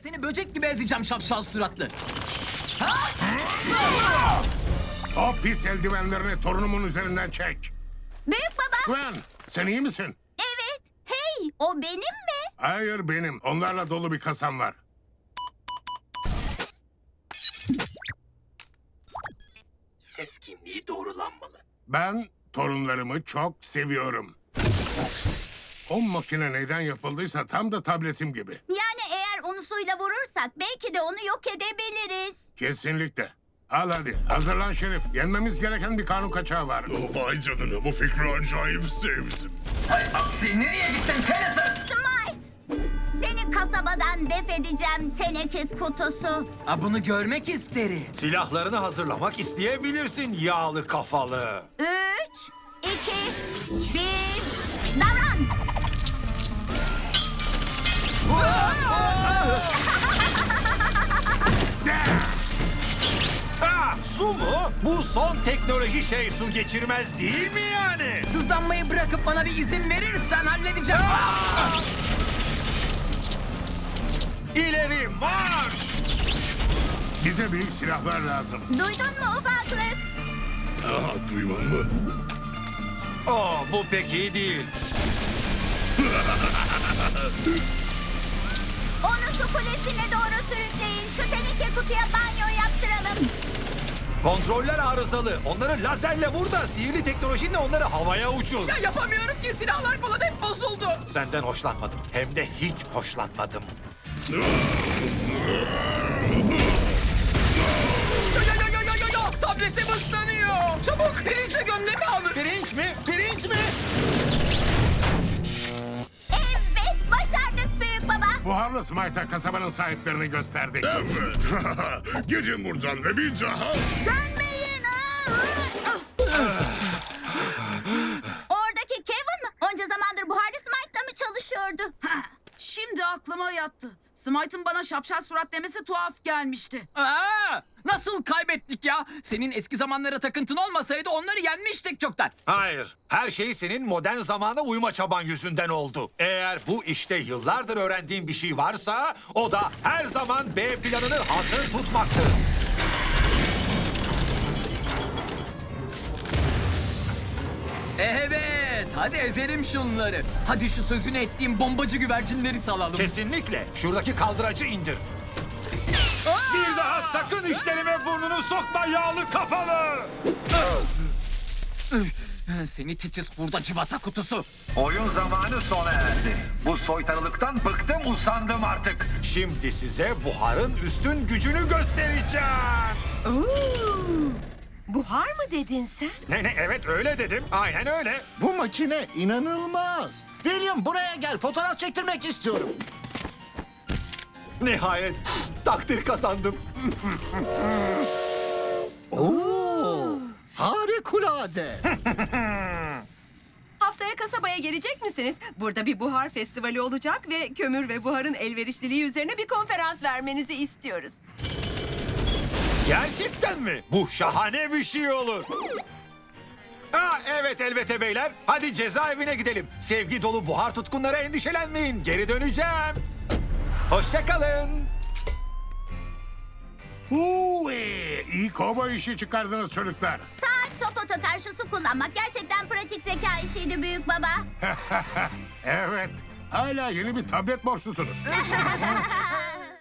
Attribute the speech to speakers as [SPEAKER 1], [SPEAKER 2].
[SPEAKER 1] seni böcek gibi ezeceğim şapşal suratlı.
[SPEAKER 2] O pis eldivenlerini torunumun üzerinden çek.
[SPEAKER 3] Büyük baba.
[SPEAKER 2] Gwen, sen iyi misin?
[SPEAKER 3] Evet. Hey, o benim mi?
[SPEAKER 2] Hayır benim. Onlarla dolu bir kasam var.
[SPEAKER 1] Ses kimliği doğrulanmalı.
[SPEAKER 2] Ben torunlarımı çok seviyorum. O makine neyden yapıldıysa tam da tabletim gibi.
[SPEAKER 3] Yani eğer onu suyla vurursak belki de onu yok edebiliriz.
[SPEAKER 2] Kesinlikle. Al hadi. Hazırlan Şerif. Yenmemiz gereken bir kanun kaçağı var.
[SPEAKER 4] Vay canına, bu fikri acayip sevdim.
[SPEAKER 1] Hay aksi, nereye gittin Tennyson?
[SPEAKER 3] Smite! Seni kasabadan def edeceğim teneke kutusu.
[SPEAKER 1] Bunu görmek isterim.
[SPEAKER 5] Silahlarını hazırlamak isteyebilirsin yağlı kafalı.
[SPEAKER 3] 3, 2, 1, davran!
[SPEAKER 5] Su mu? Bu son teknoloji şey su geçirmez değil mi yani?
[SPEAKER 1] Sızlanmayı bırakıp bana bir izin verirsen halledeceğim.
[SPEAKER 5] İleri marş!
[SPEAKER 2] Bize büyük silahlar lazım.
[SPEAKER 3] Duydun mu ufaklık?
[SPEAKER 4] Aha, duyman mı?
[SPEAKER 5] Bu pek iyi değil.
[SPEAKER 3] Onu su kulesine doğru sürükleyin. Şu teneke kutuya banyo yaptıralım.
[SPEAKER 5] Kontroller arızalı. Onları lazerle vur da sihirli teknolojinle onları havaya uçur.
[SPEAKER 1] Ya yapamıyorum ki, silahlar falan hep bozuldu.
[SPEAKER 5] Senden hoşlanmadım. Hem de hiç hoşlanmadım.
[SPEAKER 1] Yo, tabletim ıslanıyor. Çabuk pirinçle gömlemi alın.
[SPEAKER 5] Pirinç mi? Pirinç mi?
[SPEAKER 3] Evet, başardık büyük baba.
[SPEAKER 2] Buharlı Smite'a kasabanın sahiplerini gösterdik.
[SPEAKER 4] Evet. Gidin buradan ve bir daha...
[SPEAKER 3] Dönmeyin. Oradaki Kevin mi? Onca zamandır buharlı Smite'la mı çalışıyordu?
[SPEAKER 6] Şimdi aklıma yattı. Smite'ın bana şapşal surat demesi tuhaf gelmişti.
[SPEAKER 1] Nasıl kaybettik ya? Senin eski zamanlara takıntın olmasaydı onları yenmiştik çoktan.
[SPEAKER 5] Hayır. Her şey senin modern zamana uyma çaban yüzünden oldu. Eğer bu işte yıllardır öğrendiğin bir şey varsa o da her zaman B planını hazır tutmaktır.
[SPEAKER 1] Evet, hadi ezelim şunları. Hadi şu sözünü ettiğim bombacı güvercinleri salalım.
[SPEAKER 5] Kesinlikle. Şuradaki kaldıracı indir. Bir daha sakın işlerime burnunu sokma yağlı kafalı.
[SPEAKER 1] Seni titiz hurda cıvata kutusu.
[SPEAKER 7] Oyun zamanı sona erdi. Bu soytarılıktan bıktım, usandım artık.
[SPEAKER 5] Şimdi size buharın üstün gücünü göstereceğim.
[SPEAKER 6] Buhar mı dedin sen?
[SPEAKER 5] Ne evet öyle dedim. Aynen öyle.
[SPEAKER 8] Bu makine inanılmaz. William buraya gel, fotoğraf çektirmek istiyorum.
[SPEAKER 5] Nihayet takdir kazandım.
[SPEAKER 8] Oo, harikulade.
[SPEAKER 9] Haftaya kasabaya gelecek misiniz? Burada bir buhar festivali olacak ve kömür ve buharın elverişliliği üzerine bir konferans vermenizi istiyoruz.
[SPEAKER 5] Gerçekten mi? Bu şahane bir şey olur. Evet elbette beyler. Hadi cezaevine gidelim. Sevgi dolu buhar tutkunlara endişelenmeyin. Geri döneceğim. Hoşça kalın.
[SPEAKER 2] İyi kovboy işi çıkardınız çocuklar.
[SPEAKER 3] Saat topota karşı su kullanmak gerçekten pratik zeka işiydi büyük baba.
[SPEAKER 2] Evet. Hala yeni bir tablet borçlusunuz.